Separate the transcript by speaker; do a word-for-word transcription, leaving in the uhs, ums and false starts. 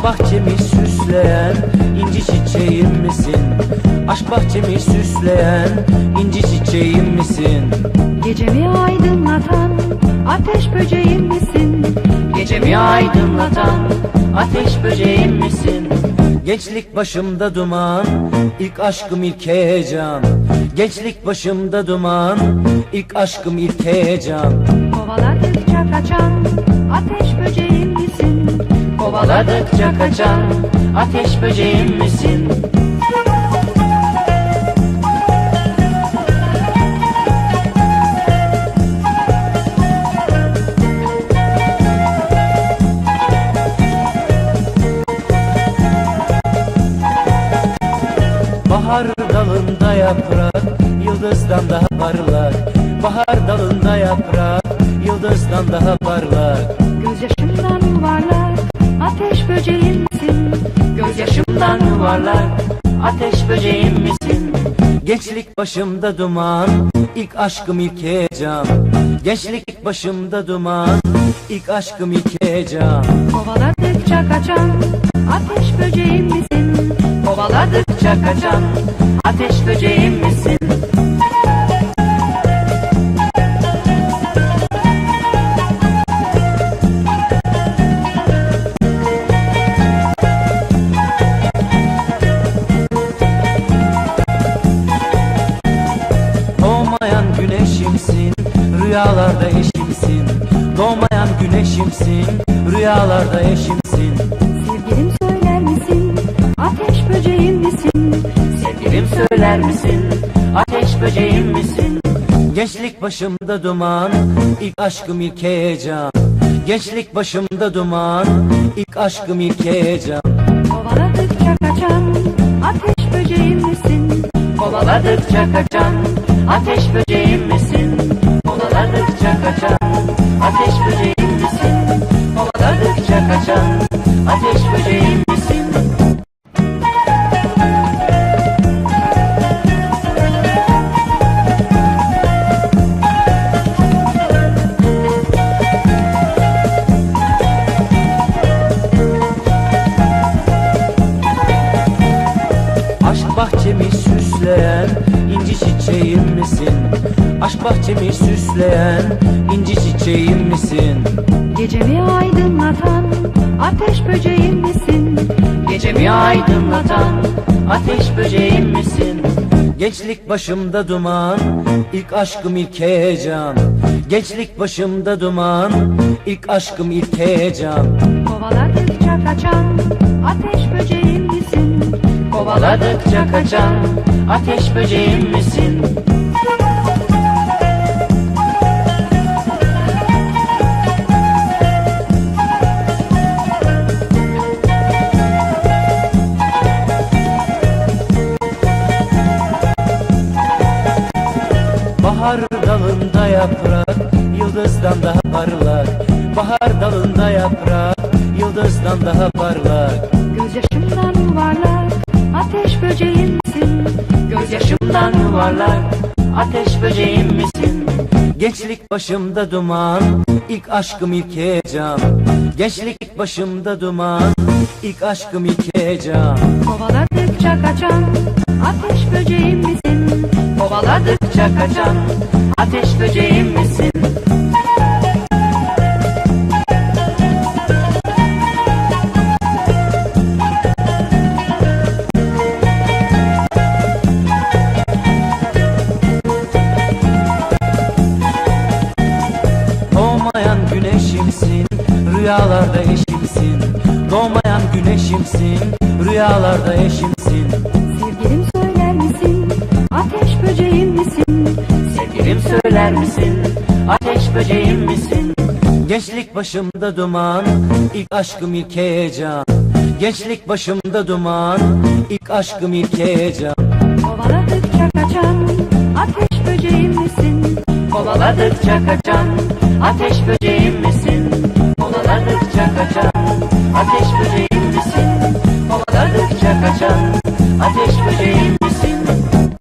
Speaker 1: bahçemi süsleyen inci çiçeğim misin? Aşk bahçemi süsleyen inci çiçeğim misin?
Speaker 2: Gecemi aydınlatan ateş böceğim misin?
Speaker 1: Gecemi aydınlatan ateş böceğim misin? Gençlik başımda duman, ilk aşkım ilk heyecan. Gençlik başımda duman, ilk aşkım ilk heyecan.
Speaker 2: Kovaladıkça kaçan ateş böceğim misin?
Speaker 1: Kovaladıkça kaçan ateş böceğim misin? Bahar dalında yaprak, yıldızdan daha parlak. Bahar dalında yaprak, yıldızdan daha parlak.
Speaker 2: Gözyaşımdan yuvarlak ateş böceğim misin?
Speaker 1: Gözyaşımdan yuvarlak ateş böceğim misin? Gençlik başımda duman, ilk aşkım ilk heyecan. Gençlik başımda duman, ilk aşkım ilk heyecan.
Speaker 2: Kovaladıkça kaçan ateş böceğim misin?
Speaker 1: Kovaladıkça kaçan ateş böceğim misin? Doğmayan güneşimsin, rüyalarda eşimsin. Doğmayan güneşimsin, rüyalarda eşimsin.
Speaker 2: Sevgilim söyler misin? Ateş böceğim misin?
Speaker 1: Sevgilim söyler misin? Ateş böceğim misin? Gençlik başımda duman, ilk aşkım ilk heyecan. Gençlik başımda duman, ilk aşkım ilk heyecan.
Speaker 2: Kovaladıkça kaçan ateş böceğim misin?
Speaker 1: Kovaladıkça kaçan ateş böceğim misin? Kovaladıkça kaçan ateş böceğim misin? Kovaladıkça kaçan ateş böceğim misin? Aşk bahçemi süsleyen inci çiçeğim misin? Aşk bahçemi süsleyen inci çiçeğim misin?
Speaker 2: Gecemi aydınlatan ateş böceğim misin?
Speaker 1: Gecemi aydınlatan ateş böceğim misin? Gençlik başımda duman, ilk aşkım ilk heyecan. Gençlik başımda duman, ilk aşkım ilk heyecan.
Speaker 2: Kovaladıkça kaçan ateş böceğim misin?
Speaker 1: Kovaladıkça kaçan ateş böceğim misin? Bahar dalında yaprak, yıldızdan daha parlak. Bahar dalında yaprak, yıldızdan daha parlak.
Speaker 2: Gözyaşımdan yuvarlak ateş böceğim misin?
Speaker 1: Gözyaşımdan yuvarlak ateş böceğim misin? Gençlik başımda duman, ilk aşkım ilk heyecan. Gençlik başımda duman, ilk aşkım ilk heyecan.
Speaker 2: Kovaladıkça kaçan ateş böceğim misin?
Speaker 1: Kovaladıkça kaçan ateş böceğim misin? Doğmayan güneşimsin, rüyalarda eşimsin. Doğmayan güneşimsin, rüyalarda eşimsin.
Speaker 2: Sevgilim söyler misin? Ateş böceğim misin?
Speaker 1: Sevgilim söyler misin? Ateş böceğim misin? Gençlik başımda duman, ilk aşkım ilk heyecan. Gençlik başımda duman, ilk aşkım ilk heyecan.
Speaker 2: Kovaladıkça kaçan ateş böceğim misin?
Speaker 1: Kovaladıkça kaçan ateş böceğim misin? Kovaladıkça kaçan ateş böceğim misin? Kovaladıkça kaçan ateş